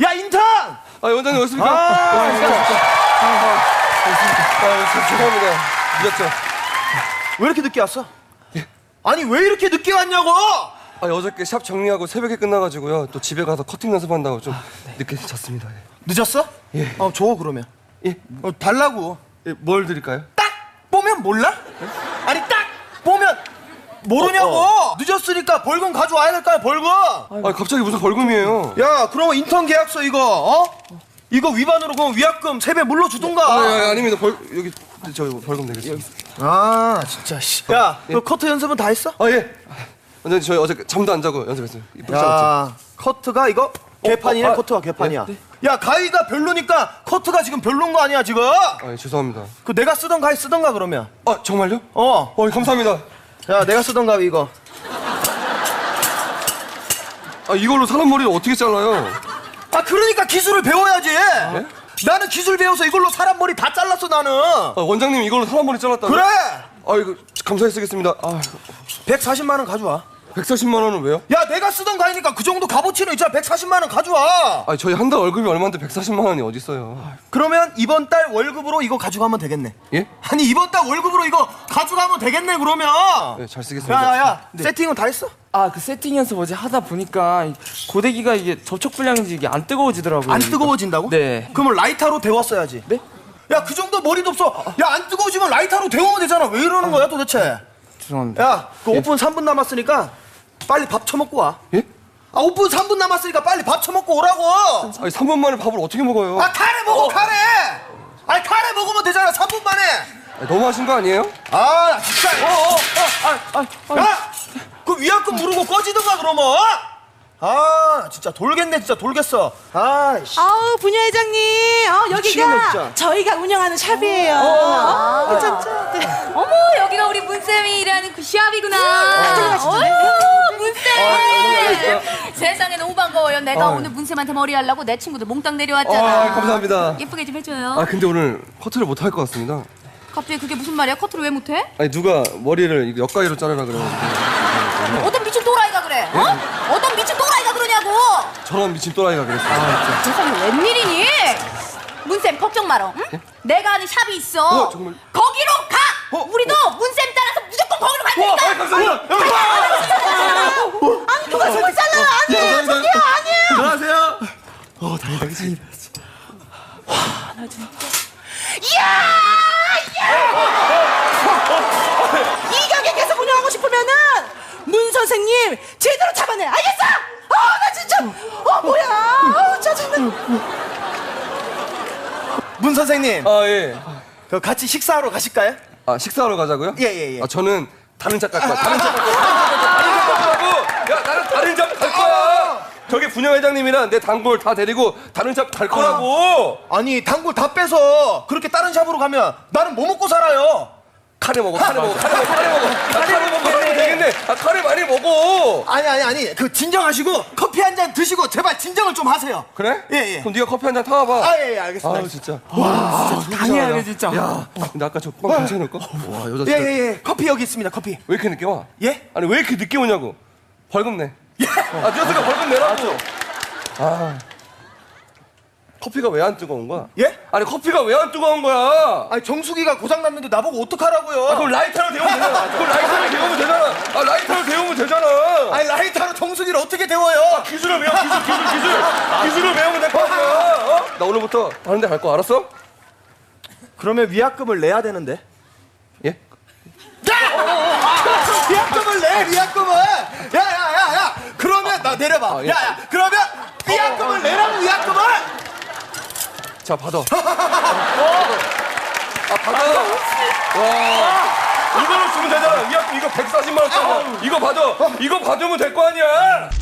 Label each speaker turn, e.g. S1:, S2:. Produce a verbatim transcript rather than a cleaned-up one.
S1: 야 인턴!
S2: 아 원장님 어딨습니까?
S1: 아,
S2: 아, 아, 아, 죄송합니다. 늦었죠.
S1: 왜 이렇게 늦게 왔어? 아니 왜 이렇게 늦게 왔냐고!
S2: 아 어저께 샵 정리하고 새벽에 끝나가지고요. 또 집에 가서 커팅 연습한다고 좀 늦게 잤습니다. 예.
S1: 늦었어?
S2: 예.
S1: 어, 줘 그러면.
S2: 예.
S1: 어, 달라고.
S2: 예, 뭘 드릴까요?
S1: 딱 보면 몰라? 아니 딱 보면 모르냐고.
S2: 어, 어.
S1: 늦었으니까 벌금 가져와야 될 거 아니야 벌금.
S2: 아 갑자기 무슨 벌금이에요?
S1: 야 그러면 인턴 계약서 이거 어? 이거 위반으로 그럼 위약금 세 배 물러주던가.
S2: 아, 아, 아 아닙니다. 벌 여기 저 벌금 내겠습니다.
S1: 아 진짜 씨. 야,
S2: 예.
S1: 너 커트 연습은 다 했어?
S2: 아 예. 원장님 저희 어제 잠도 안 자고 연습했어요. 이쁘지 않았죠?
S1: 야, 커트가 이거 개판이네.
S2: 어, 아,
S1: 커트가 개판이야.
S2: 예?
S1: 야, 가위가 별로니까 커트가 지금 별로인 거 아니야 지금?
S2: 아 예, 죄송합니다.
S1: 그 내가 쓰던 가위 쓰던가 그러면.
S2: 아 정말요?
S1: 어.
S2: 어 예, 감사합니다.
S1: 야, 내가 쓰던 가위 이거.
S2: 아 이걸로 사람 머리를 어떻게 잘라요?
S1: 아, 그러니까 기술을 배워야지. 나는 기술 배워서 이걸로 사람 머리 다 잘랐어 나는.
S2: 아, 원장님 이걸로 사람 머리 잘랐다고?
S1: 그래.
S2: 아 이거 감사히 쓰겠습니다. 아
S1: 백사십만 원 가져와.
S2: 백사십만 원은 왜요?
S1: 야, 내가 쓰던 가위니까 그 정도 값어치는 있잖아. 백사십만 원 가져와.
S2: 아 저희 한 달 월급이 얼마인데 백사십만 원이 어디 있어요?
S1: 그러면 이번 달 월급으로 이거 가져가면 되겠네.
S2: 예?
S1: 아니 이번 달 월급으로 이거 가져가면 되겠네 그러면.
S2: 네, 잘 쓰겠습니다.
S1: 야야야, 세팅은 다 했어?
S3: 아 그 세팅 연습 어제 하다 보니까 이 고데기가 이게 접촉 불량인지 이게 안 뜨거워지더라고요.
S1: 안 뜨거워진다고?
S3: 네.
S1: 그러면 라이터로 데웠어야지.
S3: 네?
S1: 야, 그 정도 머리도 없어. 야, 안 뜨거워지면 라이터로 데우면 되잖아. 왜 이러는 거야 도대체?
S3: 죄송합니다.
S1: 야, 그 오픈 삼 분 남았으니까 빨리 밥 처먹고 와.
S2: 예?
S1: 아, 오픈 삼 분 남았으니까 빨리 밥 처먹고 오라고.
S2: 아니 삼 분 만에 밥을 어떻게 먹어요?
S1: 아, 카레 먹어, 카레. 아니, 카레 먹으면 되잖아. 삼 분 만에.
S2: 아니, 너무 하신 거 아니에요?
S1: 아, 나 진짜. 어, 어,
S3: 아, 아,
S1: 야! 그 위약금 물고 꺼지든가 그러면. 아, 진짜 돌겠네. 진짜 돌겠어. 아, 씨.
S4: 아우 부녀 회장님, 어,
S1: 미치겠네,
S4: 여기가
S1: 진짜.
S4: 저희가 운영하는 샵이에요. 어, 괜찮죠? 네.
S5: 어머, 여기가 우리 문쌤이 일하는 그 시합이구나. 어휴, 문쌤. 세상에는 오반가워요. 내가 오늘 문쌤한테 머리 하려고 내 친구들 몽땅 내려왔잖아.
S2: 아, 감사합니다.
S5: 예쁘게 좀 해줘요.
S2: 아 근데 오늘 커트를 못 할 것 같습니다.
S5: 갑자기 그게 무슨 말이야? 커트를 왜 못해?
S2: 아니 누가 머리를 이거 역가위로 자르라 그러는데
S5: 어떤 미친 또라이가 그래? 어? 어떤 미친 또라이가 그러냐고.
S2: 저런 미친 또라이가 그랬어요.
S5: 세상에 웬일이니? 문쌤 걱정 마라. 응? 내가 아는 샵이 있어.
S2: 어, 정말?
S5: 거기로 가.
S2: 어,
S5: 우리도 문쌤 따라서 무조건 거기로 갈
S2: 와,
S5: 테니까.
S2: 아, 감사합니다.
S4: 아니 누가 손을 잘라요? 아니에요, 저기요, 아니에요.
S1: 안녕하세요.
S4: 이 가게 계속 운영하고 싶으면은 문 선생님 제대로 잡아내. 알겠어? 아, 나 진짜. 어, 뭐야? 아, 짜증나.
S1: 문 선생님,
S2: 아 예.
S1: 그 같이 식사하러 가실까요?
S2: 아 식사하러 가자고요?
S1: 예, 예, 예.
S2: 아 저는 다른 샵 갈 거야. 다른 샵 갈 거야. 다른 샵 가자고. 야 나는 다른 샵 갈 거야. 저기 분녀 회장님이랑 내 단골 다 데리고 다른 샵 갈 거라고.
S1: 아니, 단골 다 빼서 그렇게 다른 샵으로 가면 나는 뭐 먹고 살아요?
S2: 카레 먹어. 카레 먹어. 카레 먹어. 카레 먹어. 아, 카레 먹고 살면 되겠네. 아 카레 많이 먹어.
S1: 아니, 아니, 아니. 그 진정하시고 커피 한 잔 드시고 제발 진정을 좀 하세요.
S2: 그래?
S1: 예, 예.
S2: 그럼 네가 커피 한 잔 타와봐.
S1: 아, 예, 예, 알겠습니다.
S2: 아유 진짜. 와,
S3: 당해야 진짜.
S2: 야, 근데 아까 저빵 괜찮을까? 와 여자
S1: 예,
S2: 진짜
S1: 예, 예. 커피 여기 있습니다. 커피.
S2: 왜 이렇게 늦게 와?
S1: 예?
S2: 아니 왜 이렇게 늦게 오냐고? 벌금 내. 아 늦었으니까 벌금 내라고. 아 커피가 왜 안 뜨거운 거야?
S1: 예?
S2: 아니 커피가 왜 안 뜨거운 거야?
S1: 아니, 정수기가 고장 났는데 나보고 어떡하라고요?
S2: 아, 그럼 라이터로 데우면 되잖아. 그럼 라이터로 데우면 되잖아. 아 라이터로 데우면 되잖아.
S1: 아니, 라이터로 정수기를 어떻게 데워요?
S2: 기술을 배워 기술 기술 기술. 기술을 배우면 될 거 아니야. 어? 나 오늘부터 다른 데 갈 거 알았어?
S1: 그러면 위약금을 내야 되는데.
S2: 예?
S1: 위약금을 내, 위약금을. 야, 야, 야, 야. 그러면 나 내려봐.
S2: 아, 예.
S1: 야, 야. 그러면 위약금을 내라고, 위약금을.
S2: 자 받아. 아 받아. 와 이걸로 주면 되잖아. 위약금 이거 백사십만 원짜리. 이거 받아. 이거 받으면 될 거 아니야.